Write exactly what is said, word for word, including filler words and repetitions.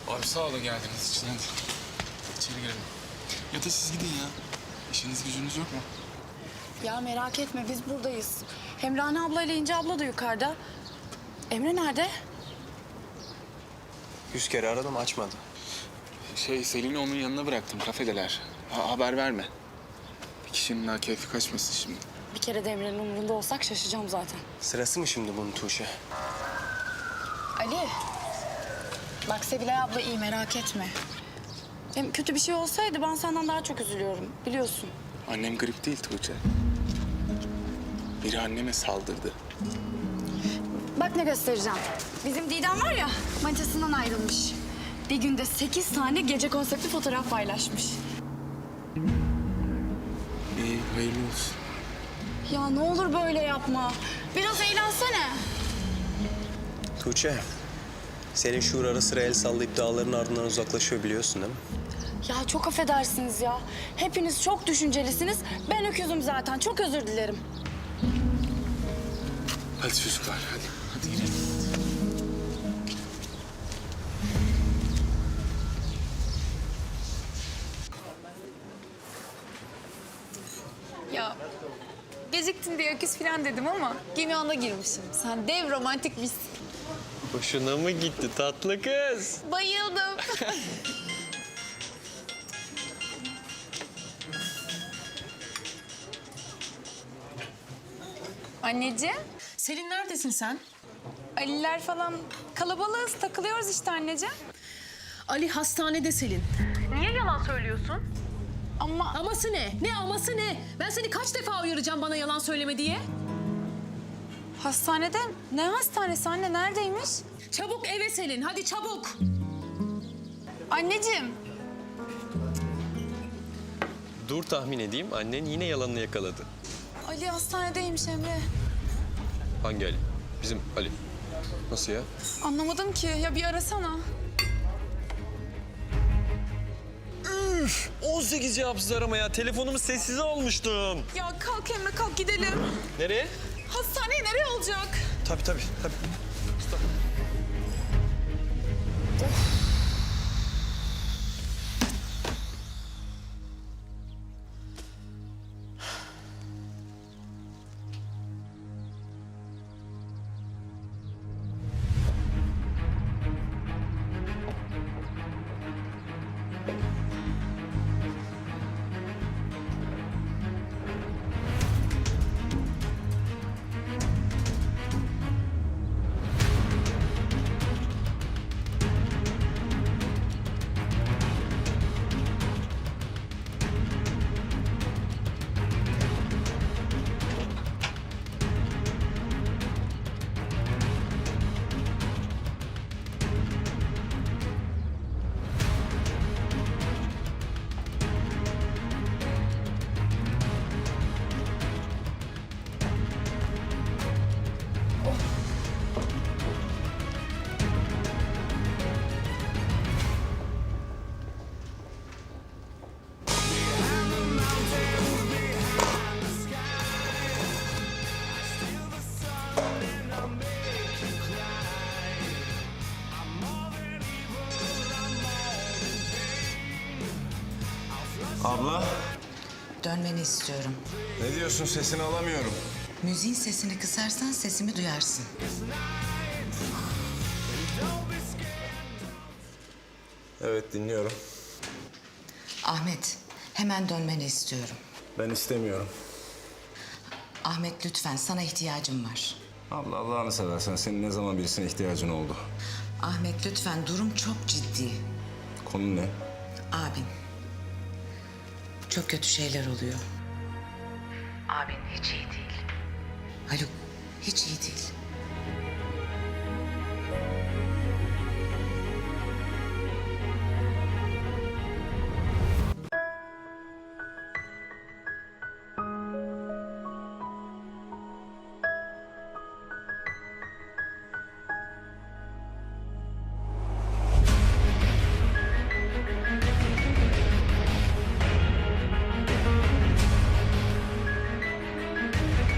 Abi sağ olun geldiğiniz için. Hadi içeri girelim. Ya da siz gidin ya. İşiniz gücünüz yok mu? Ya merak etme biz buradayız. Hem Rana abla ile İnce abla da yukarıda. Emre nerede? Yüz kere aradım, açmadı. Şey Selin'i onun yanına bıraktım. Kafedeler. Ha, haber verme. Bir kişinin daha keyfi kaçmasın şimdi. Bir kere de Emre'nin umurunda olsak şaşacağım zaten. Sırası mı şimdi bunun Tuğçe? Ali. Bak Sevilay abla iyi merak etme. Hem kötü bir şey olsaydı ben senden daha çok üzülüyorum biliyorsun. Annem grip değil Tuğçe. Biri anneme saldırdı. Bak ne göstereceğim. Bizim Didem var ya manitasından ayrılmış. Bir günde sekiz tane gece konseptli fotoğraf paylaşmış. İyi, hayırlı olsun. Ya ne olur böyle yapma. Biraz eğlensene. Tuğçe, senin şuur ara sıra el sallayıp dağların ardından uzaklaşıyor biliyorsun değil mi? Ya çok affedersiniz ya. Hepiniz çok düşüncelisiniz. Ben öküzüm zaten. Çok özür dilerim. Hadi çocuklar hadi. Hadi girelim. Ya geciktin diye öküz falan dedim ama gemi anda girmişim. Sen dev romantik misin. Hoşuna mı gitti tatlı kız? Bayıldım. Anneciğim, Selin neredesin sen? Aliler falan kalabalığız, takılıyoruz işte anneciğim. Ali hastanede Selin. Niye yalan söylüyorsun? Ama Aması ne? Ne aması ne? Ben seni kaç defa uyaracağım bana yalan söyleme diye? hastanede, ne hastanesi anne, neredeymiş? Çabuk eve Selin, hadi çabuk. Anneciğim, Dur tahmin edeyim, annen yine yalanını yakaladı. Ali hastanedeymiş Emre. Hangi Ali? Bizim Ali. Nasıl ya? Anlamadım ki, ya bir arasana. Üf! on sekiz cevapsız arama ya. Telefonumu sessize almıştım. Ya kalk Emre, kalk gidelim. Nereye? Hastaneye nereye olacak? Tabii tabii. tabii. Abla, Dönmeni istiyorum. ne diyorsun? Sesini alamıyorum. Müziğin sesini kısarsan sesimi duyarsın. Evet, dinliyorum. Ahmet, hemen dönmeni istiyorum. Ben istemiyorum. Ahmet lütfen, sana ihtiyacım var. Abla, Allah'ını seversen senin ne zaman birisine ihtiyacın oldu? Ahmet lütfen, durum çok ciddi. Konu ne? Abin. Çok kötü şeyler oluyor. Abin hiç iyi değil. Haluk, hiç iyi değil.